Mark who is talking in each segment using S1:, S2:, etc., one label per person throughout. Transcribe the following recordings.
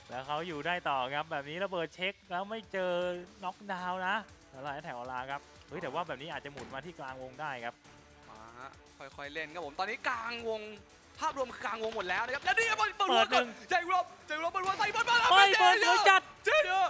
S1: แล้วเขาอยู่ได้ต่อครับแบบนี้ระเบิดเช็คแล้วไม่เจอน็อกดาวน์นะแล้วแถวลาครับเฮ้ยแต่ว่าแบบนี้อาจจะหมุนมาที่กลางวงได้ครับ
S2: มาฮะค่อยๆเล่นครับผมตอนนี้กลางวงภาพรวมคือกลางวงหมดแล้วนะครับแล้วนี่เปิดหัวก่อนใจรบเปิดหัวใส่เปิดมา
S1: เฮ้ยเปิดหัวจัด
S2: เจ๊เยอะ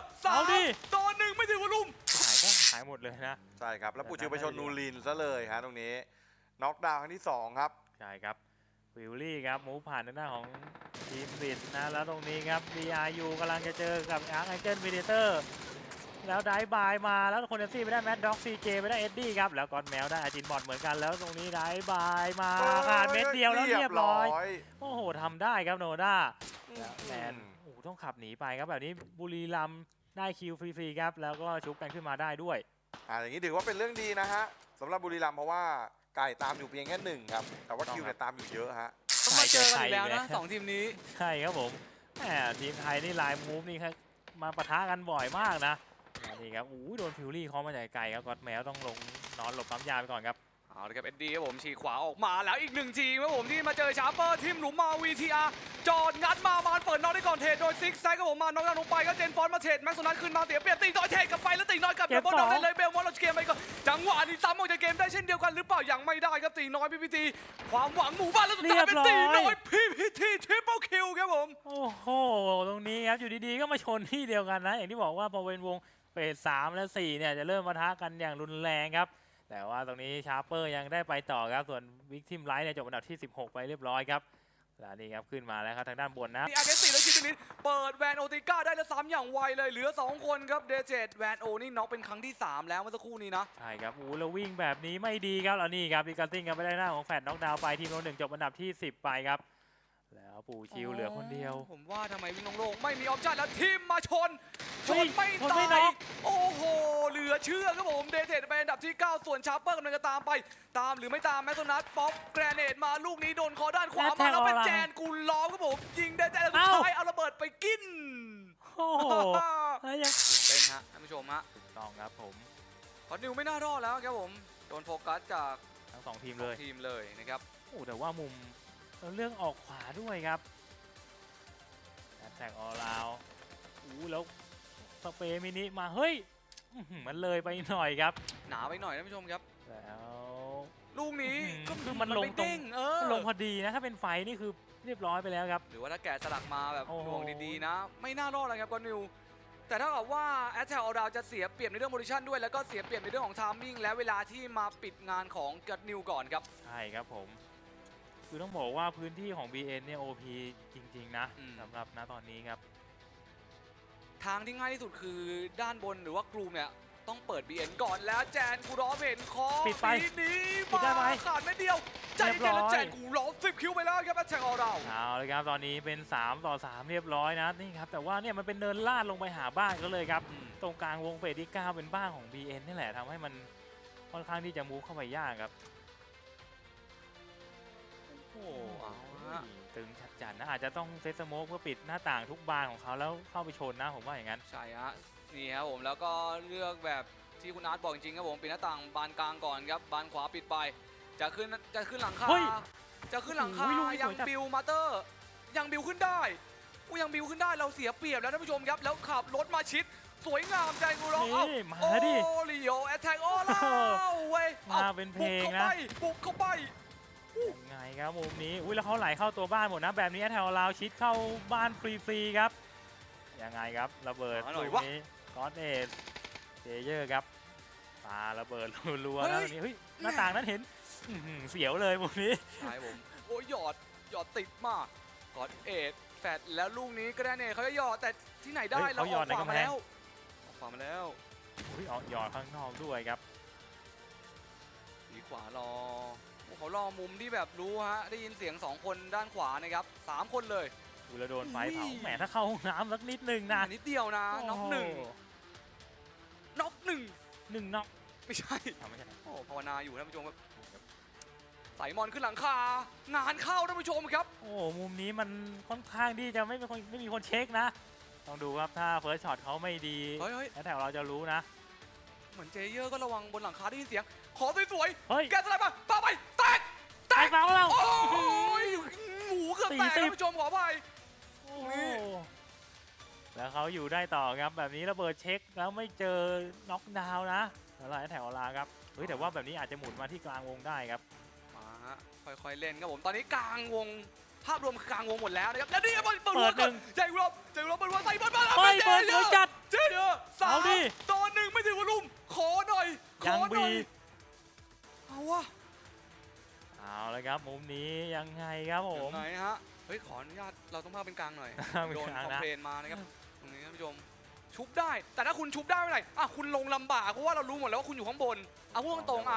S2: 3-1ไม่ถึงวอลลุ่ม
S1: หายหมดเลยนะ
S3: ใช่ครับแล้วปูชิวไปชนนูรินซะเลยฮะตรงนี้น็อกดาวน์ครั้งที่2ครับ
S1: ใช่ครับวิลลี่ครับมูฟผ่านหน้าของทีมบิดนะแล้วตรงนี้ครับ BRU กำลังจะเจอกับอาร์คแองเจิลวีเดเตอร์แล้วได้บายมาแล้วคนเดนซี่ไปได้แมดด็อกซีเจไปได้เอ็ดดี้ครับแล้วก็แมวได้อาจินบอดเหมือนกันแล้วตรงนี้ได้บายมาขาดเม็ดเดียวแล้วเรียบร้อยโอ้โหทำได้ครับโนด้าแมนโอ้โหต้องขับหนีไปครับแบบนี้บุรีรัมย์ได้คิวฟรีๆครับแล้วก็ชุบกันขึ้นมาได้ด้วย
S3: อย่างนี้ถือว่าเป็นเรื่องดีนะฮะสำหรับบุรีรัมย์เพราะว่าไก่ตามอยู่เพียงแค่1ครับแต่ว่าคิวเนี่ยตามอยู่เยอะฮะ
S2: ต้องมาเจอกันอีกแล้วนะ2ทีมนี้
S1: ใช่ครับผมแหมทีมไทยนี่ไลน์มูฟนี่ครับมาปะทะกันบ่อยมากนะนี่ครับโดนฟิวรี่เคาะมาจากไกลครับก็อดแมวต้องลงนอนหลบปั๊มยาไปก่อนครับ
S2: เอาละครับเอ็ดดี้ครับผมฉีกขวาออกมาแล้วอีก1ทีมครับผมที่มาเจอชาร์เปอร์ทีมหลุมมา VTR จอดงัดมาเปิดน็อกได้ก่อนเทรดโดยซิกแซกครับผมมาน็อกดาวน์ลงไปก็เจนฟอนมาเทรดแม็กซ์โซนัทขึ้นมาเสียเปรียบตีน้อยเทรดกลับไปแล้วตีน้อยกลับเดี๋ยวบอลน็อกได้เลยเบลมอนเราเกมไปก่อนจังหวะนี้ซ้ำออกจากเกมได้เช่นเดียวกันหรือเปล่ายังไม่ได้ครับตีน้อย PPT ความหวังหมู่บ้านแล้วสุดท้ายเป็นตีน้อย PPT ทริปเปิลคิวครับผม
S1: โอ้โหตรงนี้ครับอยู่ดีๆก็มาชนที่เดียวกันนะอย่างที่บอกว่าพอเป็นวงเฟส3และ4เนี่ยจะเริ่มปะทะกันอย่างรุนแรงครับแต่ว่าตรงนี้ชาร์เปอร์ยังได้ไปต่อครับส่วนวิกทิมไลท์เนี่ยจบอันดับที่16ไปเรียบร้อยครับแล้วนี่ครับขึ้นมาแล้วครับทางด้านบนนะ
S2: มีอาร์เกสติแล้วคิดนิดเปิดแวนโอติก้าได้แล้วซ้ำอย่างไวเลยเหลือ2คนครับเดเจตแวนโอนี่น็อกเป็นครั้งที่3แล้วเมื่อสักครู่นี้นะ
S1: ใช่ครับแล้ววิ่งแบบนี้ไม่ดีครับแล้วนี่ครับดิการติ้งกันไม่ได้หน้าของแฟดน็อกดาวน์ไปทีมโน1จบอันดับที่10ไปครับแล้วปู่ชิวเหลือคนเดียว
S2: ผมว่าทำไมวิ่งโล่งๆไม่มีออปชั่นแล้วทีมมาชนไม่ตายโอ้โหเหลือเชื่อครับผมเดเทตไปอันดับที่9ส่วนชาร์เปอร์กำลังจะตามไปตามหรือไม่ตามแมสโซนัทป๊อปแกรเนตมาลูกนี้โดนคอด้านขวามาแล้วเป็นแจนกูล้อมครับผมยิงเดเทตแล้วสุดท้ายเอาระเบิดไปกิน
S1: โอ้โหยัง
S2: เป็นฮะท่านผู้ชมฮะ
S1: ถูกต้องครับผม
S2: คอนนิวไม่น่ารอดแล้วครับผมโดนโฟกัสจาก
S1: ทั้ง2ทีม
S2: เลยนะครับ
S1: โอ้แต่ว่ามุมเรื่องออกขวาด้วยครับแท็กออลราวแล้วสเปรย์มินิมาเฮ้ยมันเลยไปหน่อยครับ
S2: หนาไปหน่อยท่านผู้ชมครับ
S1: แล้ว
S2: ลูกนี้
S1: ก็คือมันลงตรงลงพอดีนะถ้าเป็นไฟนี่คือเรียบร้อยไปแล้วครับ
S2: หรือว่าถ้าแกะสลักมาแบบดวงดีๆนะไม่น่ารอดเลยครับคอนนิวแต่ถ้ากับว่าแอตแทลเราจะเสียเปรียบในเรื่องโพซิชั่นด้วยแล้วก็เสียเปรียบในเรื่องของไทมิ่งและเวลาที่มาปิดงานของกัดนิวก่อนครับ
S1: ใช่ครับผมคือต้องบอกว่าพื้นที่ของ BN เนี่ย OP จริงๆนะสำหรับณตอนนี้ครับ
S2: ทางที่ง่ายที่สุดคือด้านบนหรือว่ากรูเนี่ยต้องเปิด BN ก่อนแล้วแจนกูร้อเห็นคอ
S1: ปิดไป
S2: นี้มาขาดไม่เดียวใจเย็นแล้วแจนกูร้อ10 คิวไปแล้วครับแอตแทลเรา
S1: เอาเลยครับตอนนี้เป็น3-3เรียบร้อยนะนี่ครับแต่ว่าเนี่ยมันเป็นเนินลาดลงไปหาบ้านก็เลยครับตรงกลางวงเฟสที่9เป็นบ้านของ BN นี่แหละทำให้มันค่อนข้างที่จะมูฟเข้าไปยากครับโอ้ตึงจัดๆนะอาจจะต้องเซตสโมกเพื่อปิดหน้าต่างทุกบานของเขาแล้วเข้าไปชนนะผมว่าอย่างนั้น
S2: ใช่ฮะนี่ครับผมแล้วก็เลือกแบบที่คุณอาร์ตบอกจริงครับผมปิดหน้าต่างบานกลางก่อนครับบานขวาปิดไปจะขึ้นหลังคาจะขึ้นหลังคายังบิวมาเตอร์ยังบิวขึ้นได้ยังบิวขึ้นได้เราเสียเปรียบแล้วท่านผู้ชมครับแล้วขับรถมาชิดสวยงามใจกูร้อง
S1: โอ้
S2: ลิโอแอตแทกออล่าเว้ย
S1: มาเป็นเพลงนะ
S2: บุกเข้าไป
S1: ยังไงครับมุมนี้แล้วเขาไหลเข้าตัวบ้านหมดนะแบบนี้แถวลาวชิดเข้าบ้านฟรีๆครับยังไงครับระเบิดลูกนี้ก็อดเอสเจเยอร์ครับปาระเบิดรัวๆนะตรงนี้เฮ้ยหน้าต่างนั้นเห็นเสียวเลยมุมนี้
S2: ใช่ผมโอ้ยหยอดติดมากก็อดเอสแฟดแล้วลูกนี้ก็ได้เนี่ยเขาจะหยอดแต่ที่ไหนได้เราออกขวามาแล้ว
S1: หยอดข้างนอกด้วยครับ
S2: ดีขวารอเขารอมุมที่แบบรู้ฮะได้ยินเสียง2คนด้านขวานะครับ3คนเลย
S1: ดูแลโดนไฟเผาแหมถ้าเข้าห้องน้ำสักนิดนึงนะ
S2: นิดเดียวนะน็อก1น็อกไม่ใช่โอ้ภาวนาอยู่ท่านผู้ชมครับใส่มอนขึ้นหลังคางานเข้าท่านผู้ชมครับ
S1: โอ้มุมนี้มันค่อนข้างที่จะไม่มีคนเช็คนะต้องดูครับถ้าเฟิร์สช็อตเขาไม่ดีแล้วแต่เราจะรู้นะ
S2: เหมือนเจเยอร์ก็ระวังบนหลังคาได้ยินเสียงขอสวย
S1: ๆ
S2: แกสไลด์มาปาไปแตก
S1: เสาเรา
S2: โอ้ยหมูเกือบแตกท่านผู้ชมขออภัย
S1: แล้วเขาอยู่ได้ต่อครับแบบนี้ระเบิดเช็คแล้วไม่เจอน็อกดาวน์นะแล้วไล่แถวลาครับเฮ้ยแต่ว่าแบบนี้อาจจะหมุนมาที่กลางวงได้ครับ
S2: มาฮะค่อยๆเล่นครับผมตอนนี้กลางวงภาพรวมคือกลางวงหมดแล้วนะครับแล้วนี่เปิด
S1: เปิ
S2: หัว
S1: ดห
S2: ก่อ
S1: นึ่
S2: น
S1: ง
S2: ใจรบเปิดหัวใส่บอลมาแล้ว
S1: เฮ้ยเปิดสวยจัด
S2: เจ๊เยอะสาม
S1: เอาดิ
S2: ต่อหนึ่งไม่ถึงวอลลุ่มขอหน่อยข
S1: ยั
S2: อง หน่
S1: บี
S2: อยเอาวะ
S1: เอาเลยครับมุมนี้ยังไงครับผม
S2: ไหนฮะเฮ้ยขออนุญาตเราต้องพาเป็นกลางหน่อย
S1: เป็น
S2: โดน
S1: กลาง
S2: คอม
S1: นะ
S2: เพลนมานะครับตรงนี้ท่านผู้ชมชุบได้แต่ถ้าคุณชุบได้เมื่อไหร่อ่ะคุณลงลำบากเพราะว่าเรารู้หมดแล้วว่าคุณอยู่ข้างบนเอาพูดตรงๆอ่ะ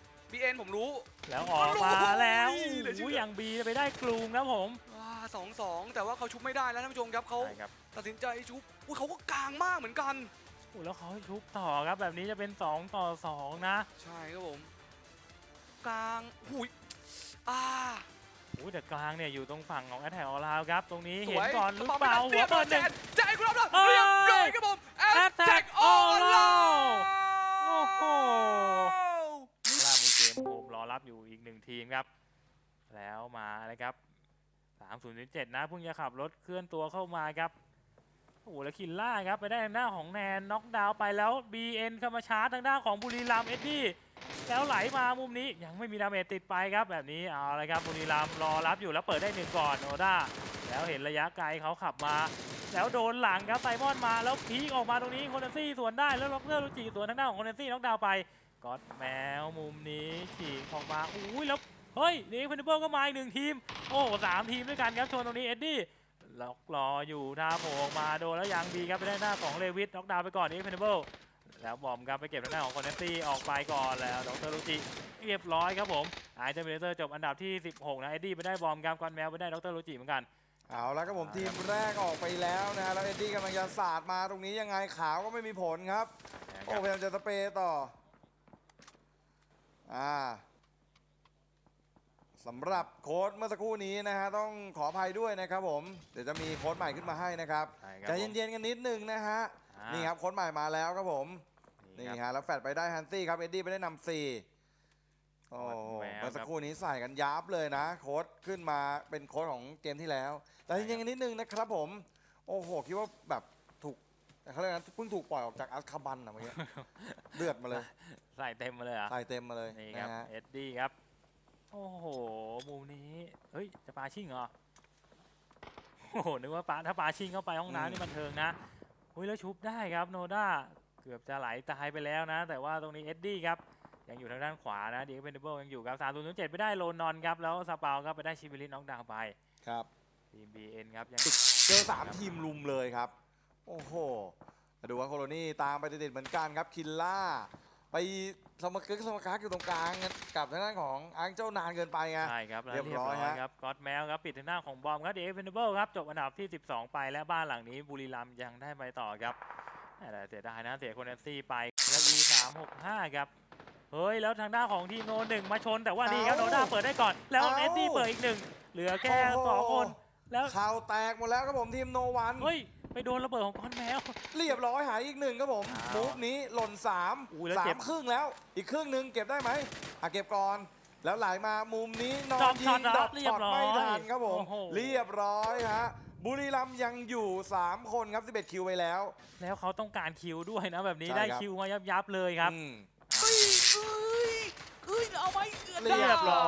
S2: BN ผมรู้
S1: แล้วออกมาแล้ว
S2: โอ้ยเหลือเชื่อ
S1: อย่างบีไปได้กลูมครับผม
S2: 2-2แต่ว่าเขาชุบไม่ได้แล้วท่านผู้ชมครับเขา
S1: ใช่ครับ
S2: ตัดสินใจชุบอุ้ยเขาก็กลางมากเหมือนกัน
S1: โอ้แล้วเขาชุบต่อครับแบบนี้จะเป็น2 ต่อ 2นะ
S2: ใช่ครับผมกลางหุย
S1: โอ้แต่กลางเนี่ยอยู่ตรงฝั่งของแอตแทกออลาวครับตรงนี้
S2: ส
S1: เห็
S2: วน ย
S1: ก่อนหรือเปล่าหัวเปิดหนึ่ง
S2: แจกครับแล้ว
S1: เอ้ย
S2: เรียบร้อยครับผม
S1: Attack All Out โอ้โหล่ามีเกมโฮมรอรับอยู่อีก1ทีมครับแล้วมาเลยครับ30-7นะเพิ่งจะขับรถเคลื่อนตัวเข้ามาครับโอ้โหแล้วคินล่าครับไปได้ทางด้านของแนนน็อกดาวน์ไปแล้ว BN เข้ามาชาร์จทางด้านของบุรีรัมย์เอ็ดดี้แล้วไหลมามุมนี้ยังไม่มีดาเมจติดไปครับแบบนี้เอาเลยครับบุรีรัมย์รอรับอยู่แล้วเปิดได้1ก่อนโนด้าแล้วเห็นระยะไกลเขาขับมาแล้วโดนหลังครับไซมอนมาแล้วพีกออกมาตรงนี้โคเนซี่สวนได้แล้วล็อกเกอร์ลูจิสวนทางด้านของโคเนซี่น็อกดาวน์ไปก็อดแมวมุมนี้ฉีกออกมาอุ้ยแล้วเฮ้ยนี่เพนเบิลก็มาอีก1ทีมโอ้3ทีมด้วยกันครับชนตรงนี้เอ็ดดี้ล็อกรออยู่ท่าโผล่ออกมาโดนแล้วยังบีครับไปได้หน้าของเลวิสน็อกดาวน์ไปก่อนนี่เพนเบิลแล้วบอมครับไปเก็บทางด้านของโคเนซี่ออกไปก่อนแล้วดรลูจิเรียบร้อยครับผมไอเทมเบเตอร์จบอันดับที่16นะเอ็ดดี้ไปได้บอมครับกอนแมวไปได้ดรลูจิเหมือนกัน
S3: เอาแล้วครับผมทีมแรกออกไปแล้วนะฮะแล้วเอ็ดดี้กำลังจะสาดมาตรงนี้ยังไงขาวก็ไม่มีผลครับโอ้พยายามจะสเปรย์ต่อสำหรับโค้ดเมื่อสักครู่นี้นะฮะต้องขออภัยด้วยนะครับผมเดี๋ยวจะมีโค้ดใหม่ขึ้นมาให้นะครับ
S1: ใช่ครับ
S3: ใจเย็นๆกันนิดนึงนะฮะ นี่ครับโค้ดใหม่มาแล้วครับผมนี่ฮะแล้วแฟดไปได้ฮันซี่ครับเอ็ดดี้ไปได้นำ4โอ้โหเมื่อสักครู่นี้ใส่กันยับเลยนะโค้ดขึ้นมาเป็นโค้ดของเกมที่แล้วแต่จริงๆกันนิดนึงนะครับผมโอ้โหคิดว่าแบบถูกเขาเรียกนะเพิ่งถูกปล่อยออกจากอัลคาบันอะเมื่อกี้ เลือดมาเลย
S1: ใส่เต็มมาเลยอ่ะ
S3: ใส่เต็มมาเลย
S1: นี่ครับ
S3: นะฮะ
S1: เอ็ดดี้ครับโอ้โหมุมนี้เฮ้ยจะปาชิ่งเหรอโอ้โหนึกว่าถ้าปาชิ่งเข้าไปห้องน้ำนี่บันเทิงนะเฮ้ยแล้วชุบได้ครับโนด้าเกือบจะไหลตายไปแล้วนะแต่ว่าตรงนี้เอ็ดดี้ครับยังอยู่ทางด้านขวานะดีเพนเดเบิลยังอยู่ครับ3-0-7ไปได้โลนอนครับแล้วสปาวครับไปได้ชิบิลิสน็อกดาวน์ไป
S3: ครับ
S1: ทีม BN ครับยัง
S3: เจอ3ทีมลุมเลยครับโอ้โหมาดูว่าโคโลนี่ตามไปติดๆเหมือนกันครับคินล่าไปสมกักอยู่ตรงกลางกับทางด้านของอังเจ้านานเกินไปไง
S1: ใช่ครับแล้ว
S3: เรี
S1: เรี
S3: ย
S1: ย
S3: บบ ร้
S1: ร้
S3: อ
S1: อย ย
S3: ฮะ
S1: ครับก็อดแมวครับปิดทางหน้าของบอมครับเดฟเวนเบิลครับจบอันดับที่12ไปและบ้านหลังนี้บุรีรัมย์ยังได้ไปต่อครับแต่เสียดายนะเสียโคเนซี่ไปแล้ว E365 ครับเฮ้ยแล้วทางด้านของทีมโนหนึ่งมาชนแต่ว่านี่ครับโนด้าเปิดได้ก่อนแล้วเอ็ดดี้เปิดอีก1เหลือแค่2คนแล้ว
S3: ข่าวแตกหมดแล้วครับผมทีมโนวัน
S1: เฮ้ยไปโดนระเบิดของก้อนแมว
S3: เรียบร้อยหายอีก1ครับผม
S1: อ้าว
S3: มูฟนี้หล่น3
S1: อุ้ยแล้วเจ็บ
S3: 3ครึ่งแล้วอีกครึ่งหนึ่งเก็บได้ไหมเก็บก่อนแล้วไหลมามุมนี้นอ
S1: ดรอน ป
S3: ยิ
S1: ช็อต
S3: ง
S1: เหรอ
S3: ดรอป
S1: เรีย
S3: ช็อบ ต
S1: ร้อย
S3: ไม่ทันครับผม
S1: โอ้โห
S3: เรียบร้อยฮะบุรีรัมย์ยังอยู่3คนครับ11คิวไปแล้ว
S1: แล้วเขาต้องการคิวด้วยนะแบบนี้
S3: ใช่
S1: ได้
S3: ครับ
S1: คิวมายับเลยครับ
S3: อืม
S2: เฮ้ยเอาไหม
S3: เรียบร้อย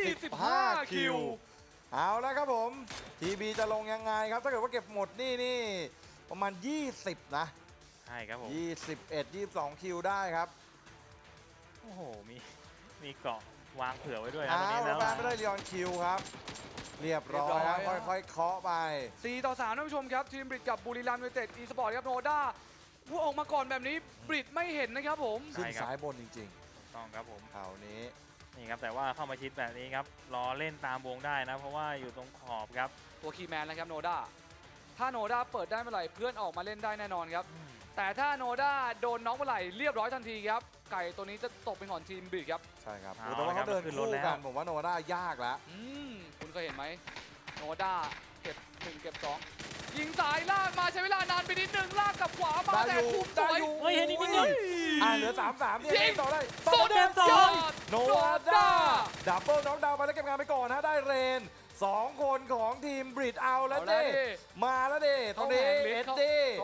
S2: 15
S3: 15 คิว เอาแล้วครับผมทีบีจะลงยังไงครับถ้าเกิดว่าเก็บหมดนี่ประมาณ 20 นะ
S1: ใช่ครับผม
S3: 21 22 คิวได้ครับ
S1: โอ้โหมีเกาะวางเผื่อไว้ด้วยนะ
S3: อ้า
S1: ตรงนี้
S3: ว
S1: แล้ว
S3: บ้านไม่ได้เรียนคิวครับ เรียบร้อยครับค่อยๆเคาะไป
S2: 4-3ท่านผู้ชมครับทีมบริดกับบุรีรัมย์ยูไนเต็ดอีสปอร์ตครับโนด้าผู้ออกมาก่อนแบบนี้บริดไม่เห็นนะครับผม
S3: ขึ้นสายบนจริง
S1: ถูกต้องครับผม
S3: ๆคราวนี้
S1: นี่ครับแต่ว่าเข้ามาชิดแบบนี้ครับรอเล่นตามวงได้นะ เพราะว่าอยู่ตรงขอบครับ
S2: ตัวคีย์แมนนะครับโนด้าถ้าโนด้าเปิดได้เมื่อไหร่เพื่อนออกมาเล่นได้แน่นอนครับแต่ถ้าโนด้าโดนน็อกเมื่อไหร่เรียบร้อยทันทีครับไก่ตัวนี้จะตกเป็นของทีมบริดครับ
S3: ใช่ครับ
S1: เอา
S3: แต่ว่าเขาเดิน
S1: ขึ้นรถ
S3: คู่
S1: แล้ว
S3: กันผมว่าโนด้ายากแล้ว
S2: คุณเคยเห็นไหมโนด้าเก็บ1เก็บ2ยิงสายลากมาใช้เวลานานไปนิดนึงลากกับขวามา
S3: ได้
S2: แต่
S3: อยู่
S2: คุมส
S3: ได้
S2: วย
S3: อยู่
S1: เฮ้ยเห็นอีกนิดนึง
S3: เหลือ 3-3เนี่ย
S2: ยิง
S3: ต่อได้
S2: สุด
S1: เกมสอง
S2: ยอด
S3: โนด้าดับเบิลน็อกดาวน์ไปแล้วเก็บงานไปก่อนนะได้เรน 2 คนของทีมบริดเอาแล้วเด้มาแล้วเด้ตอนนี้เอ็ดดี้
S2: เขา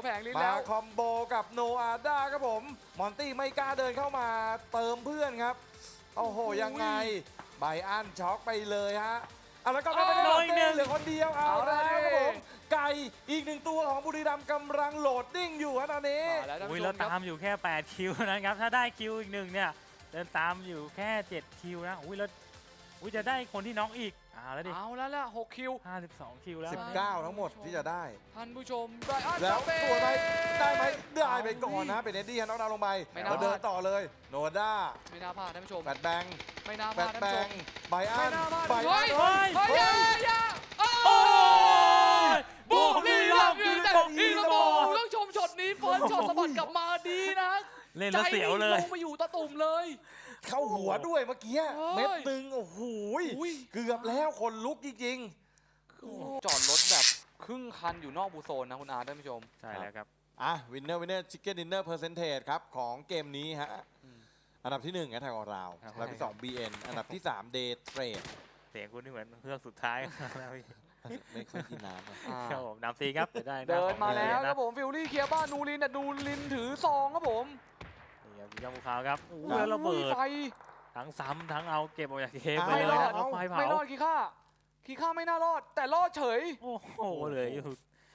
S2: แผงลิ้น
S3: มา
S2: แล้ว
S3: คอมโบกับโนอาด้าครับผมมอนตี้ไม่กล้าเดินเข้ามาเติมเพื่อนครับโอ้โหยังไงไบอันช็อกไปเลยฮะเอาแล้วก็ไม่ได้
S1: โดนอีกหนึ่ง
S3: เหลือคนเดียวเอา
S2: เอา
S3: แล้วครับ
S2: ดิ
S3: ผมไก่อีกหนึ่งตัวของบุรีรัมย์กำลังโหลดดิ้งอยู่ฮะตอนนี้
S2: มาแล้วท่าน
S1: อุ้ย
S2: ผู้ช
S1: แล้ว
S2: มค
S1: ตา
S2: รับ
S1: มอยู่แค่ 8 คิวนะครับ ถ้าได้คิวอีกหนึ่งเนี่ย เดินตามอยู่แค่ 7 คิวนะ อุ้ยแล้วอุ้ยจะได้คนที่น็อกอีกแล้วดิ
S2: เอาแล้วล่ะ6คิว
S1: 52 คิวแล้ว
S3: 19 ทั้งหมดที่จะได้
S2: ท่านผู้ชมไบรอัน
S3: แล้ว
S2: เป้
S3: ตัวไหนได้ไหมได้ไปก่อนนะเป็นเอ็ดดี้ฮะน็อกดาวน์ลงไป
S2: ไม่น่า
S3: แล้วเดินต่อเลยโนอาด้า
S2: ไม่น่าพลาดท่านผู้ชม
S3: แฟดแบง
S2: ไม่น่าพ
S3: แฟ
S2: ลาด
S3: ด
S2: ท่าน
S3: แบ
S2: ผู้ช
S3: ง
S2: ม
S3: ไบอั
S2: ไม่
S3: น
S2: น่าพลาด
S3: ไบ
S2: เฮ้
S3: อั
S2: ย
S3: น
S2: เฮ้ย
S3: เฮ้ย
S2: อย่าโอ้
S1: โอ้ย
S2: บุรีรัมย์ยูไนเต็ด
S3: บุรี
S2: อี
S3: รั
S2: ส
S3: มย์
S2: ปอร์ตต้องชมช็อตนี้เฟิร์สช็อตสะบัดกลับมาดีนะ
S1: เล่นแล้วเสียวเลย
S2: ใจนี่ลงมาอยู่ตะตุ่มเลย
S3: เข้าหัวด้วยเมื่อกี้
S2: เฮ้ย
S3: เม็ดตึงโอ้โห
S2: อุ้ย
S3: เกือบแล้วคนลุกจริง
S2: จอดรถแบบครึ่งคันอยู่นอกบูโซนนะคุณอาท่านผู้ชม
S1: ใช่แล้วครับ
S3: ๆอ่ะวินเนอร์ชิคเก้นดินเนอร์เปอร์เซนเทจครับของเกมนี้ฮะ
S2: อืม
S3: อันดับที่1แอทแทกออราว
S1: ครับ
S3: อันดับที่2 BN อันดับที่3 Day Trade
S1: เสียงคุณนี่เหมือนเฮือกสุดท้ายแล้วพี่
S3: ไม่ค่อยกินน้ำอะ
S2: อ่า
S1: ครับผมนำซีครับจะได้ห
S2: เดิน
S1: ของ
S2: มาแล้ว
S1: เย
S2: ค
S1: นะ
S2: รับผมฟิลลี่เคลียร์บ้านนูรินแต่นูรินถือซองครับผม
S1: นี่ครับยามูขาวครับโอ้โห
S3: ครับ
S1: แล้วระเบิด
S2: ไฟ
S1: ทั้งซ้ำทั้งเอาเก็บออกจากเกมไป
S3: ไม่
S1: เลย
S3: รอ
S1: นะ
S3: ด
S1: แล้วไฟเผา
S2: ไม่รอดคีค่าไม่น่ารอด แต่รอดเฉย
S1: โอ้โหเหลยอยู่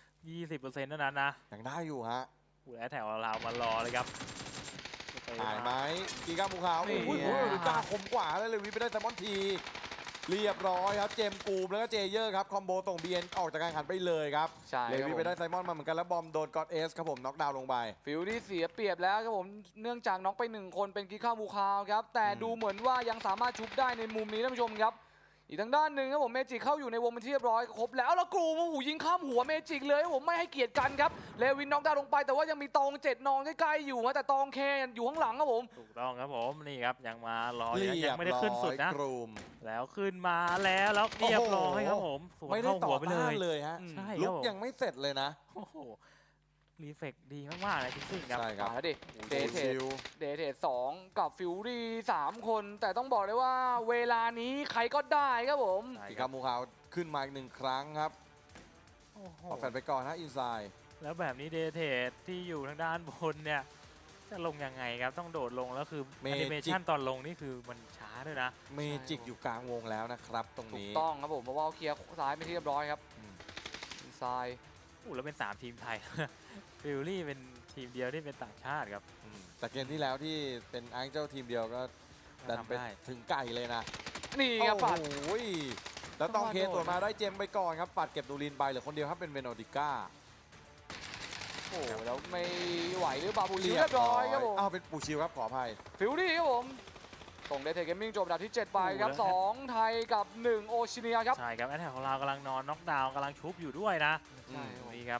S1: 20%เท่านั้นนะ
S3: ยังได้อยู่ฮะ
S1: ผู้แอดแถวเรามารอเลยครับ
S3: หายไหมกีก้าภูเขา
S2: นี่
S3: โอ้โหหรือกล้าคมกว่าเลยวิไปได้แซมมอนที เรียบร้อยครับ เจมส์กูมแล้วก็เจเยอร์ครับ คอมโบส่ง BN ออกจากการแข่งขันไปเลยครับ
S2: ใช่
S3: เลวีไปได้ไซมอนมาเหมือนกันแล้วบอมโดนกอดเอสครับผมน็อกดาวน์ลงไป
S2: ฟิลลี่เสียเปรียบแล้วครับผมเนื่องจากน็อกไป1คนเป็นกิค่าบูคาวครับแต่
S3: อืม
S2: ดูเหมือนว่ายังสามารถชุบได้ในมุมนี้ท่านผู้ชมครับอีกทางด้านหนึ่งครับผมเมจิเข้าอยู่ในวงเป็นที่เรียบร้อยครบแล้วแล้วกรูมาหูยิงข้ามหัวเมจิเลยครับผมไม่ให้เกียรติกันครับเลวินน็อกดาวน์ลงไปแต่ว่ายังมีตอง7นอนใกล้ๆอยู่นะแต่ตองเคอยู่ข้างหลังครับผม
S1: ถูกต้องครับผมนี่ครับยังมารออ
S3: เรี
S1: ยู่นะ
S3: ย
S1: ยัง
S3: บ
S1: ไม่ได้
S3: ร้อ
S1: ขึ้นสุด
S3: ย
S1: นะ
S3: กรูม
S1: แล้วขึ้นมาแล้วเรียบร้อยครับผมสวน
S3: ไม่ได้
S1: เข้า
S3: ต่
S1: หั
S3: อ
S1: วไปเล
S3: ต้าน
S1: ย
S3: เลยฮะ
S2: อืม
S1: ใช่ค
S3: ลุ
S1: รับ
S3: ก
S1: ผม
S3: ยังไม่เสร็จเลยนะ
S1: โอ้โหรีเฟกดีมากๆเลยจริงๆครับ
S3: ใช่ครับ
S2: มาแล้วดิเดทเท
S3: ชิว
S2: เดทเท2กับฟิลลี่3คนแต่ต้องบอกเลยว่าเวลานี้ใครก็ได้ครับผม
S1: ใช่
S3: กี
S1: ค
S3: ก้า
S1: รับ
S3: ภูเขาขึ้นมาอีก1 ครั้งครับ
S1: โอ้โห
S3: ออกแฟนไปก่อนฮะอินไซด์
S1: แล้วแบบนี้เดเทสที่อยู่ทางด้านบนเนี่ยจะลงยังไงครับต้องโดดลงแล้วคือแอนิเมชันตอนลงนี่คือมันช้าด้วยนะ
S3: เมจิกอยู่กลางวงแล้วนะครับ ตรง
S2: ถูก
S3: นี้
S2: ต้องครับผมเพราะว่าเคลียร์ซ้ายไปนที่เรียบร้อยครับ
S3: อืม
S2: อินไซด์
S1: อู้แล้วเป็น 3 ทีมไทย ฟิลลี่เป็นทีมเดียวที่เป็นต่างชาติครับ
S3: แต่เกมที่แล้วที่เป็นอังเจ้าทีมเดียวก็ดันไป
S1: ทำได้
S3: ถึงไก่เลยนะ
S2: นี่ครับปัด
S3: โอ้โหแล้วต้องเคสตรวจมาได้เจมไปก่อนครับปัดเก็บดูรินไปเหลือคนเดียวครับเป็นเวโนดิก้า
S2: โอ้โหแล้วไม่ไหวหรือบาบูชิวเรียบร้อยครับผม
S3: อ้าวเป็นปูชิวครับขออภัย
S2: ฟิลลี่ครับผมส่งเดทเทเกมมิ่งจบอันดับที่ 7 ไปครับ
S1: โอ้โห
S2: 2 ไทยกับ 1 โอชิเนียครับ
S1: ใช่ครับแอตแทกของเรากำลังนอนน็อกดาวน์กำลังชุบอยู่ด้วยนะ
S2: ใช่ครับ
S1: นี่ครับ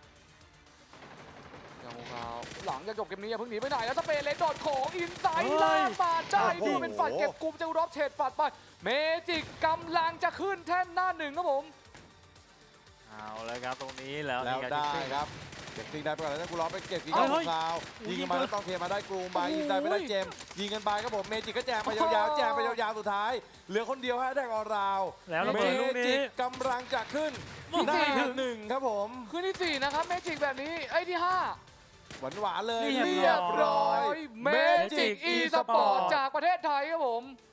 S2: ยังคงเอาหลังจากจบเกมนี้อย่าเพิ่งหนีไปไหนแล้วสเปนเลนโดดของอินไซ
S1: เฮ้
S2: ด์
S1: ย
S2: ลากมาได้
S3: โอ้โห
S2: ดูเป็นฝัดเก็บกลุ่มเจ้ารอบเฉดฝัดไปเมจิกกำลังจะขึ้นแท่นหน้า1ครับผม
S1: เอาเลยครับตรงนี้แล้ว
S3: แล้ว
S1: นี่
S3: ได้
S1: จิ๊กซี่
S3: ครับเก็บตีได้ไปก่อนแล้วกูล้อไปเก็บกี
S1: เฮ้
S3: ก้าย ของคราว
S1: โอ้ย
S3: ยิงกันมาแล้วต้องเคมาได้กรูมไปยิงได้ไม่ได้เจมยิงกันไปครับผมเมจิกก็แจมไปยาวๆแจมไปยาวๆสุดท้าย เหลือคนเดียวฮะแดกออราว
S1: แล้วระ
S3: เม
S1: เบิดลูก
S3: จิ
S1: นี้
S3: กกำลังจะขึ้น
S1: ลูก
S3: ได้
S1: ที่
S3: หนึ่งครับผม
S2: ขึ้นที่ 4 นะครับเมจิกแบบนี้ไอ้ที่
S3: หวานๆเลย
S1: เรี
S3: เรี
S1: ย
S3: ย
S1: บบ ร้
S3: ร้
S1: อ
S3: อย ย
S2: 5 เมจิกอีสปอร์ตจากประเทศไทยครับผม